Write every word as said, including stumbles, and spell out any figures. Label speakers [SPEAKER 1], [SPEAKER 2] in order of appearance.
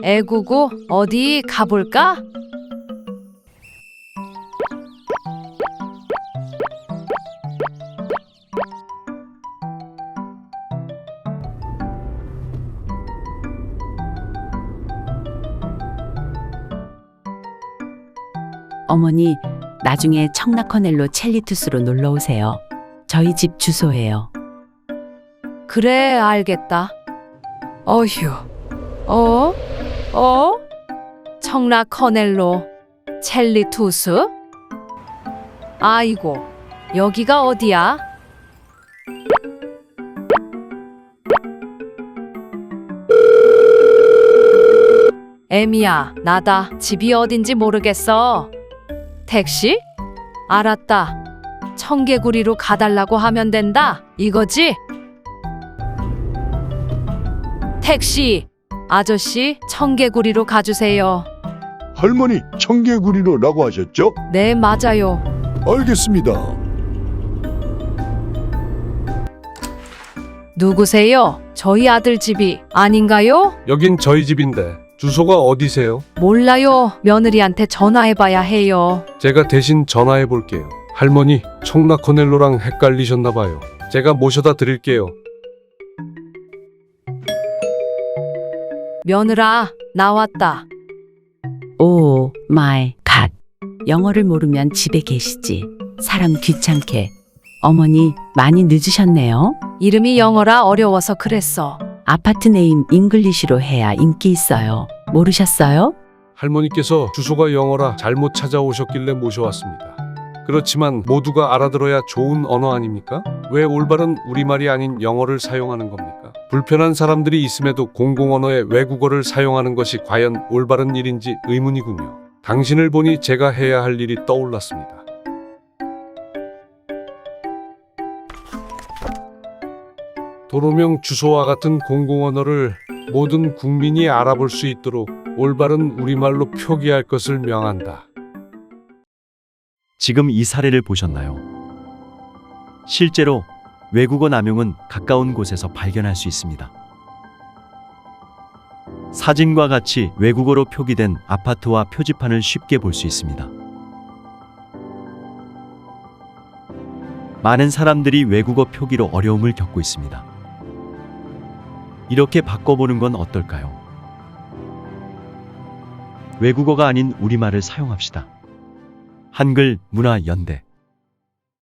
[SPEAKER 1] 애구구 어디 가볼까?
[SPEAKER 2] 어머니, 나중에 청라커넬로 첼리투스로 놀러 오세요. 저희 집 주소예요.
[SPEAKER 1] 그래, 알겠다. 어휴, 어? 어? 청라 커넬로 첼리투스? 아이고, 여기가 어디야? 애미야, 나다. 집이 어딘지 모르겠어. 택시? 알았다. 청개구리로 가달라고 하면 된다. 이거지? 택시! 아저씨, 청개구리로 가주세요.
[SPEAKER 3] 할머니 청개구리로라고 하셨죠?
[SPEAKER 1] 네, 맞아요.
[SPEAKER 3] 알겠습니다.
[SPEAKER 1] 누구세요? 저희 아들 집이 아닌가요?
[SPEAKER 4] 여긴 저희 집인데 주소가 어디세요?
[SPEAKER 1] 몰라요. 며느리한테 전화해봐야 해요.
[SPEAKER 4] 제가 대신 전화해 볼게요. 할머니, 청라커넬로랑 헷갈리셨나 봐요. 제가 모셔다 드릴게요.
[SPEAKER 1] 며느라, 나왔다.
[SPEAKER 2] 오 마이 갓. 영어를 모르면 집에 계시지. 사람 귀찮게. 어머니, 많이 늦으셨네요.
[SPEAKER 1] 이름이 영어라 어려워서 그랬어.
[SPEAKER 2] 아파트 네임 잉글리시로 해야 인기 있어요. 모르셨어요?
[SPEAKER 4] 할머니께서 주소가 영어라 잘못 찾아오셨길래 모셔왔습니다. 그렇지만 모두가 알아들어야 좋은 언어 아닙니까? 왜 올바른 우리말이 아닌 영어를 사용하는 겁니까? 불편한 사람들이 있음에도 공공언어의 외국어를 사용하는 것이 과연 올바른 일인지 의문이군요. 당신을 보니 제가 해야 할 일이 떠올랐습니다. 도로명 주소와 같은 공공언어를 모든 국민이 알아볼 수 있도록 올바른 우리말로 표기할 것을 명한다.
[SPEAKER 5] 지금 이 사례를 보셨나요? 실제로 외국어 남용은 가까운 곳에서 발견할 수 있습니다. 사진과 같이 외국어로 표기된 아파트와 표지판을 쉽게 볼 수 있습니다. 많은 사람들이 외국어 표기로 어려움을 겪고 있습니다. 이렇게 바꿔보는 건 어떨까요? 외국어가 아닌 우리말을 사용합시다. 한글 문화 연대